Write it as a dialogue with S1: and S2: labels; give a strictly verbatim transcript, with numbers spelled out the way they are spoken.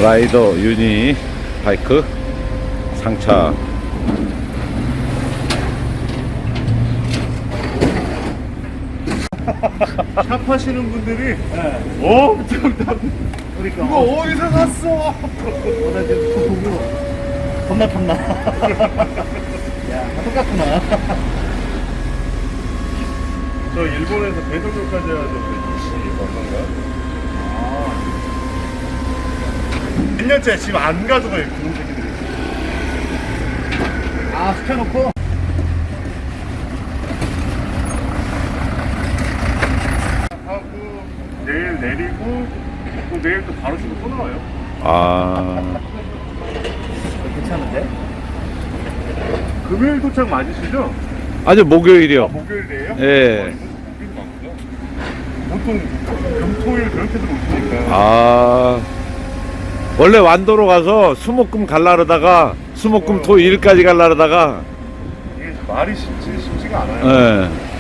S1: 라이더 유니 바이크 상차.
S2: 샵 하시는 분들이 엄청 다
S3: 그러니까
S2: 이거
S3: 어,
S2: 어디서 샀어?
S3: 어, 나 지금 그 보고 겁나 탐나. 야, 다 똑같구나.
S2: 저 일본에서 배송료까지 하던데 이씨 얼마인가? 몇 년째 지금 안 가져가요 그런 새끼들이.
S3: 아, 시켜놓고.
S2: 하고 내일 내리고 또 내일 또 바로 집으로 또 나와요.
S1: 아,
S3: 괜찮은데?
S2: 금요일 도착 맞으시죠?
S1: 아주 목요일이요.
S2: 목요일이에요?
S1: 예.
S2: 보통 금토일 그렇게도 오시니까.
S1: 아, 원래 완도로 가서 수목금 갈라르다가 수목금 토 일까지 갈라르다가
S2: 이게 말이 쉽지 쉽지가 않아요.
S1: 예.